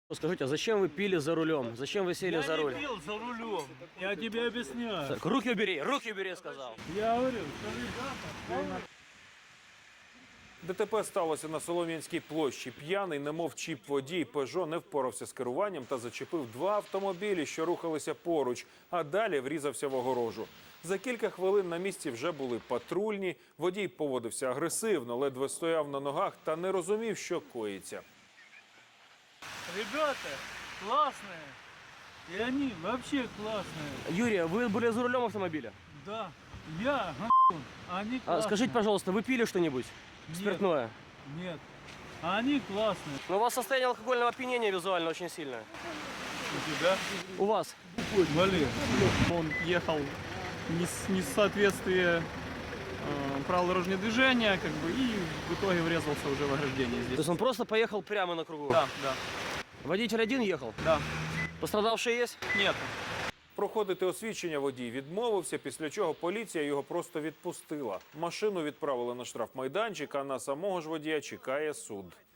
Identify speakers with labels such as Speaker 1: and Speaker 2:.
Speaker 1: Скажите, а зачем вы пили за рулем? Зачем вы сели за руль?
Speaker 2: Я не пил за рулем. Я тебе объясняю.
Speaker 1: Так, руки убери, сказал.
Speaker 2: Я говорю, что ребята...
Speaker 3: ДТП сталося на Солом'янській площі. П'яний, немов чіп водій «Пежо» не впорався з керуванням та зачепив два автомобілі, що рухалися поруч, а далі врізався в огорожу. За кілька хвилин на місці вже були патрульні. Водій поводився агресивно, ледве стояв на ногах та не розумів, що коїться.
Speaker 2: Ребята классные. И они вообще классные.
Speaker 1: Юрий, вы были за рулем автомобиля?
Speaker 2: Да. Я они классные.
Speaker 1: Скажите, пожалуйста, вы пили что-нибудь?
Speaker 2: Нет.
Speaker 1: Спиртное?
Speaker 2: Нет. Они классные.
Speaker 1: Но у вас состояние алкогольного опьянения визуально очень сильное.
Speaker 2: У тебя?
Speaker 1: У вас?
Speaker 2: Вали.
Speaker 4: Он ехал не в соответствии правил дорожного движения, как бы, и в итоге врезался уже в ограждение
Speaker 1: То
Speaker 4: здесь.
Speaker 1: есть он просто поехал прямо на кругу?
Speaker 4: Да, да,
Speaker 1: Водитель один ехал?
Speaker 4: да.
Speaker 1: Пострадавшие есть?
Speaker 4: Нет.
Speaker 3: Проходити освідчення водій відмовився, після чого поліція його просто відпустила. Машину відправили на штрафмайданчик, а на самого ж водія чекає суд.